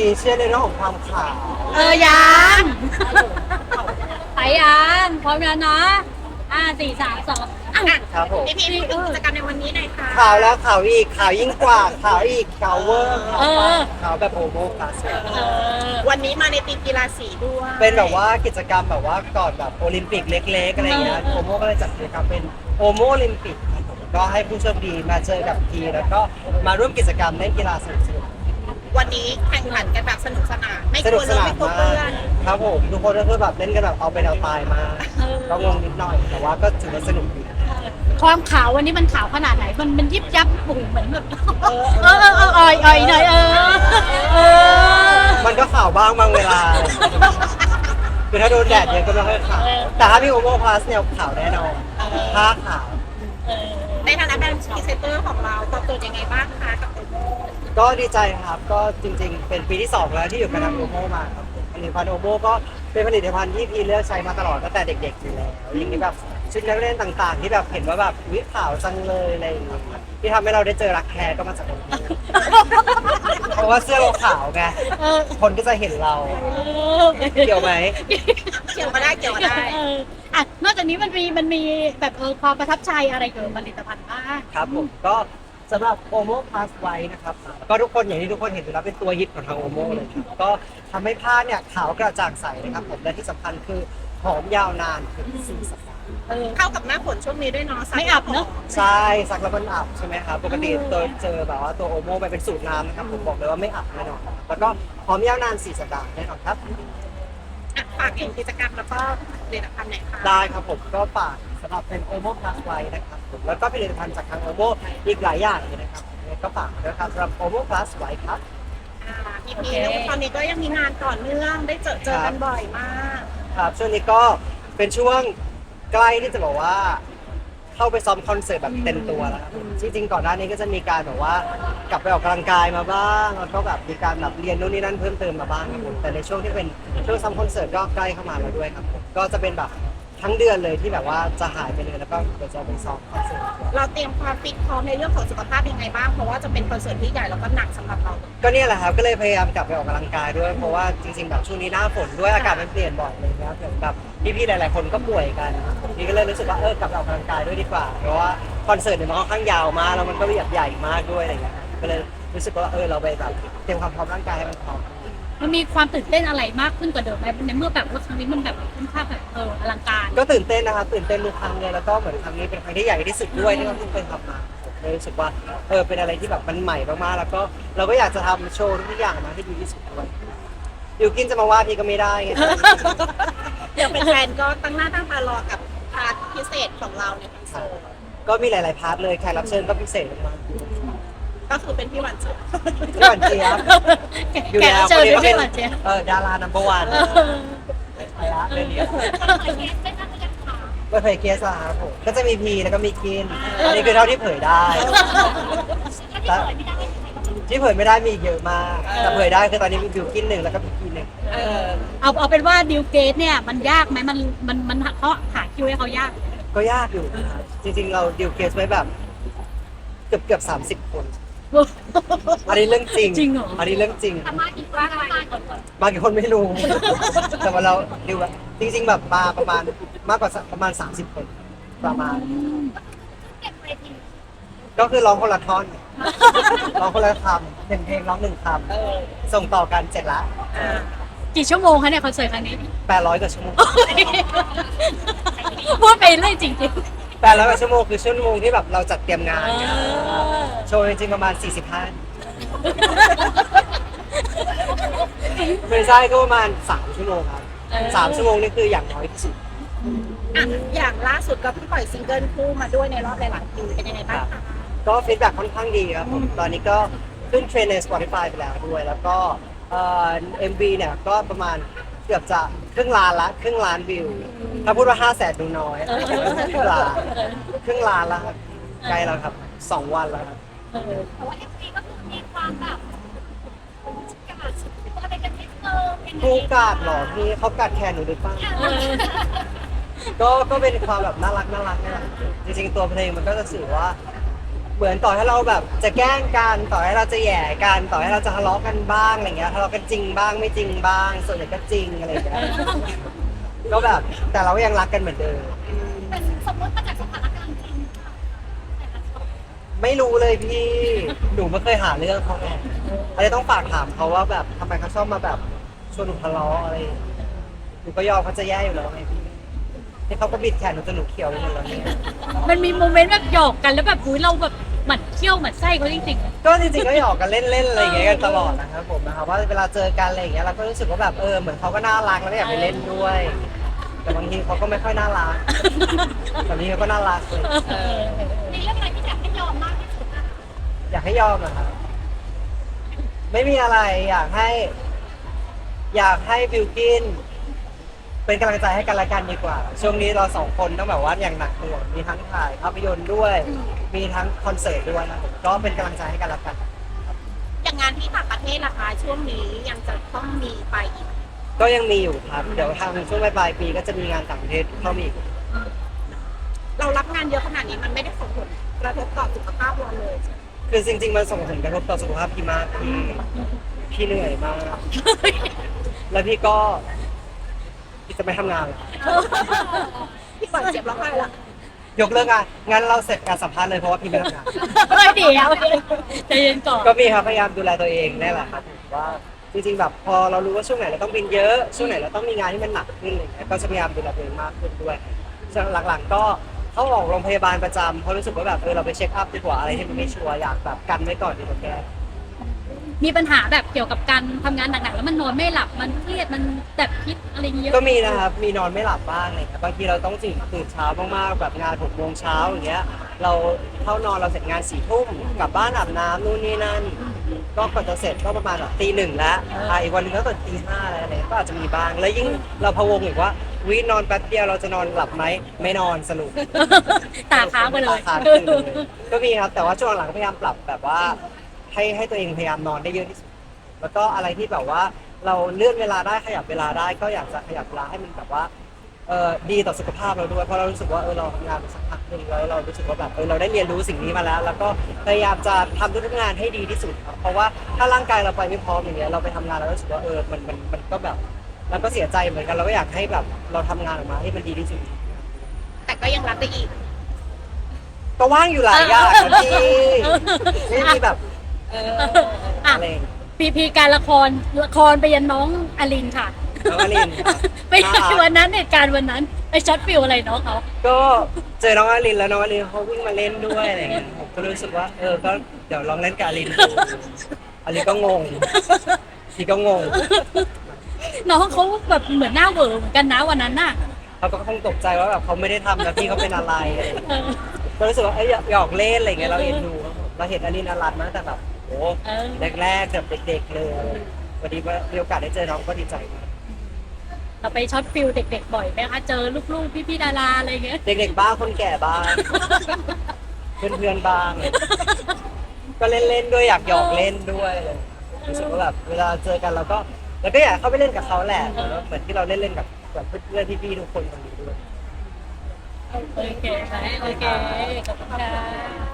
เชื่อในเรื่องของความขาวยังไปยังพร้อมแล้วนะ4 3 2 ครับผมพี่พูดถึงกิจกรรมในวันนี้หน่อยค่ะขาวแล้วขาวอีกขาวยิ่งกว่าขาวอีกขาวเวอร์ขาวเออขาวแบบโอโมคลาสวันนี้มาในทีมกีฬาสีด้วยเป็นแบบว่ากิจกรรมแบบว่าก่อนแบบโอลิมปิกเล็กๆอะไรอย่างเงี้ยโอโมก็เลยจัดกิจกรรมเป็นโอโมโอลิมปิกครับผมก็ให้ผู้โชคดีมาเจอกับทีแล้วก็มาร่วมกิจกรรมเล่นกีฬาสนุกวันนี้แข่งขันกันแบบสนุกสนานไม่ๆกสลันุวกเลสยนาไม่นกลัวมาเพื่อก นครับผมทุกคนก็คือแบบเล่นกันแบบเอาเป็นเอาตายมากก็งงนิดหน่อยแต่ว่าก็ถือว่าสนุกดีความขาววันนี้มันขาวขนาดไหนมันยิบยับบุ๋งเหมือนแบบอ่อยหน่อยมันก็ขาวบ้างบางเวลาคือถ้าโดนแดดเยอะก็ไม่ค่อยขาวแต่ถ้าพี่โอโมพลัสเนี่ยขาวแน่นอนผ้าขาวในฐานะแบรนด์พรีเซนเตอร์ของเราตอบโจทย์ยังไงบ้างคะกับโอโมก็ดีใจครับก็จริงๆ เป็นปีที่ 2 แล้วที่อยู่กับทางโอโมมาครับผลิตภัณฑ์โอโมก็เป็นผลิตภัณฑ์ที่พี่เลือกใช้มาตลอดตั้งแต่เด็กๆอยู่แล้วอย่างนี้แบบชุดนักเรียนต่างๆ ที่แบบเห็นว่าแบบวิขาวจังเลยอะไรอย่างเงี้ยที่ทำให้เราได้เจอรักแท้ก็มาจากโอโมเพราะว่าเสื้อเราขาวไงคนก็จะเห็นเราเกี่ยวไหมเกี่ยวมาได้เกี่ยวมาได้นอกจากนี้มันมีแบบความประทับใจอะไรเกี่ยวกับผลิตภัณฑ์บ้างครับผมก็สำหรับโอโมพลัสไว้นะครับก็ทุกคนอย่างที่ทุกคนเห็นอยู่แล้วเป็นตัวฮิตของทางโอโมเลยครับก็ทำให้ผ้าเนี่ยขาวกระจ่างใสนะครับผมและที่สำคัญคือหอมยาวนานถึง4 สัปดาห์เข้ากับหน้าฝนช่วงนี้ด้วยเนาะไม่อับเนอะใช่ซักแล้วมันอับใช่ไหมครับปกติตัวเจอแบบว่าตัวโอโมไปเป็นสูตรน้ำนะครับผมบอกเลยว่าไม่อับแน่นอนครับแล้วก็หอมยาวนาน4 สัปดาห์แน่นอนครับฝากเองกิจกรรมแล้วก็ผลิตภัณฑ์ไหนคะได้ครับผมก็ฝากสำหรับเป็นโอโมพลัสไว้นะครับผมแล้วก็ผลิตภัณฑ์จากทางโอโมอีกหลายอย่างเลยนะครับก็ฝากด้วยครับสำหรับโอโมพลัสไว้ครับพี่แล้วตอนนี้ก็ยังมีงานต่อเนื่องได้เจอกันบ่อยมากครับช่วงนี้ก็เป็นช่วงใกล้ที่จะบอกว่าเข้าไปซ้อมคอนเสิร์ตแบบเต็มตัวแล้วครับจริงๆก่อนหน้านี้ก็จะมีการแบบว่ากลับไปออกกำลังกายมาบ้างแล้วก็แบบมีการแบบเรียนนู่นนี่นั่นเพิ่มเติมมาบ้างครับผมแต่ในช่วงที่เป็นช่วงซ้อมคอนเสิร์ตก็ใกล้เข้ามาแล้วด้วยครับผมก็จะเป็นแบบทั้งเดือนเลยที่แบบว่าจะหายไปเลยแล้วก็เดี๋ยวจะไปซ้อมคอนเสิร์ตเราเตรียมความฟิตพร้อมในเรื่องของสุขภาพยังไงบ้างเพราะว่าจะเป็นคอนเสิร์ตที่ใหญ่แล้วก็หนักสำหรับเราก็เนี่ยแหละครับก็เลยพยายามกลับไปออกกำลังกายด้วยเพราะว่าจริงๆแบบช่วงนี้หน้าฝนด้วยอากาศมันเปลี่ยนบ่อยเลยนะครับเหมือนแบบพี่ๆหลายๆคนก็ป่วยกันนี่ก็เลยรู้สึกว่ากลับไปออกกำลังกายด้วยดีกว่าเพราะว่าคอนเสิร์ตเนี่ยมันค่อนข้างยาวมากแล้วมันก็แบบใหญ่มากด้วยอะไรอย่างเงี้ยก็เลยรู้สึกว่าเราไปแบบเตรียมความพร้อมร่างกายให้มันพร้อมมันมีความตื่นเต้นอะไรมากขึ้นกว่าเดิมไหมในเมื่อแบบว่าครั้งนี้มันแบบค่อนข้างแบบอลังการก็ตื่นเต้นนะครับตื่นเต้นทุกครั้งเลยแล้วก็เหมือนครั้งนี้เป็นครั้งที่ใหญ่ที่สุดด้วยที่เราเพิ่งเคยทำมาผมเลยรู้สึกว่าเป็นอะไรที่แบบมันใหม่มากๆแล้วก็เราก็อยากจะทำโชว์ทุกอย่างมาให้ดีที่สุดด้วยอยู่กินจะมาว่าพี่ก็ไม่ได้ไงเดี๋ยวเป็นแฟนก็ตั้งหน้าตั้งตารอกับพาร์ทพิเศษของเราในคอนเสิร์ตก็มีหลาย ๆ พาร์ทเลยแขกรับเชิญก็พิเศษมากก็คือเป็นพี่หวานเจี๊ยบๆพี่หวานเจี๊ยบอยู่แขกแล้รัวบเชิญคนนี้ก็ด้เป็วยนหวานเจี๊ยบดารานัมเบอร์วันไปละเรื่องนี้ไม่เผยเกสละครับผมก็จะมีพีแล้วก็มีกินอันนี้คือเท่าที่เผยได้แต่ที่เผยไม่ได้มีอีกเยอะมากแต่เผยได้คือตอนนี้มีบิวกิน1แล้วก็มีกิน1 เอาเป็นว่าดิวเกตเนี่ยมันยากไหมมันเขาหาคิวให้เขายากก็ยากอยู่นะครับจริงๆเราดิวเคสไว้แบบเกือบ30 คนอันนี้เรื่องจริงจริงเหรออันนี้เรื่องจริงมากี่ว่ามาก่อนบางคนไม่รู้ แต่ว่าเราดิวอะจริง ๆ แบบมาประมาณมากกว่าประมาณ30 คนประมาณ ก็คือร้องคนละท่อนร้องคนละคำ1 เพลงร้อง1 คำส่งต่อกันเสร็จละกี่ชั่วโมงคะเนี่ยคอนเสิร์ตครั้งนี้ 800 กว่าชั่วโมงพูดไปเรื่อยจริง 800 กว่าชั่วโมงคือชั่วโมงที่แบบเราจัดเตรียมงานไงเออโชว์จริงๆประมาณ45ไม่ใช่ก็ประมาณ3 ชั่วโมงครับ3 ชั่วโมงนี่คืออย่างน้อยที่สุดอย่างล่าสุดก็เพิ่งปล่อยซิงเกิลคู่มาด้วยในรอบหลายๆปีเป็นยังไงบ้างคะก็ฟีดแบ็กค่อนข้างดีครับผมตอนนี้ก็ขึ้นเทรนด์ใน Spotify ไปแล้วด้วย แล้วก็MV เนี่ยก็ประมาณเกือบจะครึ่งล้านวิว ถ้าพูดว่า500,000ดูน้อยครึ่งล้านแล้วครับใกล้แล้วครับ2 วันแล้วครับแต่ว่า MV ก็คือมีความแบบกาดอะไรกันนิดนึงผู้กาดเหรอพี่เขากัดแขนหนูหรือเปล่าก็เป็นความแบบน่ารักนี่แหละจริงๆตัวเพลงมันก็จะสื่อว่าเหมือนต่อให้เราแบบจะแกล้งกันต่อให้เราจะแหย่กันต่อให้เราจะทะเลาะกันบ้างอะไรเงี้ยทะเลาะกันจริงบ้างไม่จริงบ้าง ส่วนใหญ่ก็จริงอะไรเงี้ยก็แบบแต่เราก็ยังรักกันเหมือนเดิมเป็นสมมติมาจากสถานการณ์จริงแต่ละคนไม่รู้เลยพี่หนูไม่เคยหาเรื่องเขาไงอะไรต้องฝากถามเขาว่าแบบทำไมเขาชอบมาแบบชวนหนูทะเลาะอะไรหนูก็ยอมเขาจะแย่อยู่แล้วไงพี่นี่เขาก็บิดแขนหนูจนหนูเขียวไปหมดแล้วเนี่ยมันมีโมเมนต์แบบหยอกกันแล้วแบบอุ้ยเราแบบหมั่นเคี้ยวหมั่นไส้เขาจริงๆก็จริงๆก็หยอกกันเล่นๆอะไรอย่างเงี้ยกันตลอดนะครับผมนะครับว่าเวลาเจอกันอะไรอย่างเงี้ยเราก็รู้สึกว่าแบบเหมือนเขาก็น่ารักแล้วก็อยากไปเล่นด้วย แต่บางทีเขาก็ไม่ค่อยน่ารักแต่บางทีเขาก็น่ารักเลยมีเรื่องอะไรที่อยากให้ยอมมากที่สุดอะอยากให้ยอมนะครับไม่มีอะไรอยากให้บิวกินเป็นกำลังใจให้กันและกันดีกว่า ช่วงนี้เราสองคนต้องแบบว่าอย่างหนักหน่วงมีทั้งถ่ายภาพยนตร์ด้วย มีทั้งคอนเสิร์ตด้วยนะผมก็เป็นกำลังใจให้กันและกันอย่างงานที่ต่างประเทศล่ะคะช่วงนี้ยังจะต้องมีไปอีกก็ยังมีอยู่ครับเดี๋ยวทางช่วงปลายปีก็จะมีงานต่างประเทศเข้ามาอีกเรารับงานเยอะขนาดนี้มันไม่ได้ส่งผลกระทบต่อสุขภาพเราเลยใช่ไหมคือจริงๆมันส่งผลกระทบต่อสุขภาพพี่มากพี่เหนื่อยมาก แล้วพี่ก็พี่จะไม่ทำงานแล้วพี่ก่อนเจ็บร้องไห้ละยกเลิกงานงั้นเราเสร็จการสัมภาษณ์เลยเพราะว่าพี่ไม่ทำงานเฮ้ยเดี๋ยวใจเย็นก่อนก็มีครับพยายามดูแลตัวเองนี่แหละครับผมว่าจริงๆแบบพอเรารู้ว่าช่วงไหนเราต้องบินเยอะช่วงไหนเราต้องมีงานที่มันหนักขึ้นอะไรเงี้ยก็จะพยายามดูแลตัวเองมากขึ้นด้วยส่วนหลังๆก็เข้าออกโรงพยาบาลประจำเพราะรู้สึกว่าแบบเราไปเช็คอัพดีกว่าอะไรที่มันไม่ชัวร์อยากแบบกันไว้ก่อนดีกว่าแก้มีปัญหาแบบเกี่ยวกับการทำงานหนักๆแล้วมันนอนไม่หลับมันเครียดมันแบบคิดอะไรเยอะก็มีนะครับมีนอนไม่หลับบ้างอะไรเงี้ยบางทีเราต้องตื่นเช้ามากๆแบบงาน6 โมงเช้าอย่างเงี้ยเราเข้านอนเราเสร็จงาน4 ทุ่มกลับบ้านอาบน้ำนู่นนี่นั่นก็กว่าจะเสร็จก็ประมาณแบบตี 1แล้วอีกวันหนึงก็ตื่นตี 5แล้วอะไรก็อาจจะมีบ้างแล้วยิ่งเราพะวงอีกว่าวินอนแป๊บเดียวเราจะนอนหลับไหมไม่นอนสรุปตาค้างไปเลยตาค้างขึ้นเลยก็มีครับแต่ว่าช่วงหลังก็พยายามปรับแบบว่าให้ตัวเองพยายามนอนได้เยอะที่สุดแล้วก็อะไรที่แบบว่าเราเลื่อนเวลาได้ขยับเวลาได้ก็อยากจะขยับเวลาให้มันแบบว่าดีต่อสุขภาพเราด้วยเพราะเรารู้สึกว่าเราทำงานมาสักพักหนึ่งแล้วเรารู้สึกว่าแบบเราได้เรียนรู้สิ่งนี้มาแล้ว แล้วก็พยายามจะทำทุกๆงานให้ดีที่สุดครับเพราะว่าถ้าร่างกายเราไปไม่พร้อมอย่างเงี้ยเราไปทำงานเรารู้สึกว่ามันก็แบบเราก็เสียใจเหมือนกันเราก็อยากให้แบบเราทำงานออกมาให้มันดีที่สุดแต่ก็ยังรับได้อีกก็ว่างอยู่หลายอย่างนะพี่ไม่มีแบบอ่ะอะไรอย่างเงี้ยพีการละครไปยันน้องอลินค่ะน้องอลินครับไปวันนั้นเหตุการณ์วันนั้นไปช็อตฟิลอะไรน้องเขาก็เจอน้องอลินแล้วน้องอลินเขาวิ่งมาเล่นด้วยอะไรอย่างเงี้ยผมก็รู้สึกว่าก็เดี๋ยวลองเล่นกับอลินดูอลินก็งงพี่ก็งงน้องเขาแบบเหมือนหน้าเหวอเหมือนกันนะวันนั้นน่ะเขาก็คงตกใจว่าแบบเขาไม่ได้ทำแล้วพี่เขาเป็นอะไรอะไรอย่างเงี้ยเออก็รู้สึกว่าหยอกเล่นอะไรอย่างเงี้ยเราเอ็นดูครับผมเราเห็นอลินอลันมาตั้งแต่แบบโอ้เออแรกๆแบบเด็กๆเลยวันนี้มีโอกาสได้เจอน้องก็ดีใจมากเราไปช็อตฟิลเด็กๆบ่อยไหมคะเจอลูกๆพี่ๆดาราอะไรอย่างเงี้ยเด็กๆบ้างคนแก่บ้าง เพื่อนๆบ้าง ก็เล่นๆด้วยอยากหยอกเล่นด้วยเลยรู้สึกว่าแบบเวลาเจอกันเราก็อยากเข้าไปเล่นกับเขาแหละเหมือนที่เราเล่นกับเพื่อนๆพี่ๆทุกคนตรงนี้ด้วยโอเคไหมโอเคขอบคุณค่ะ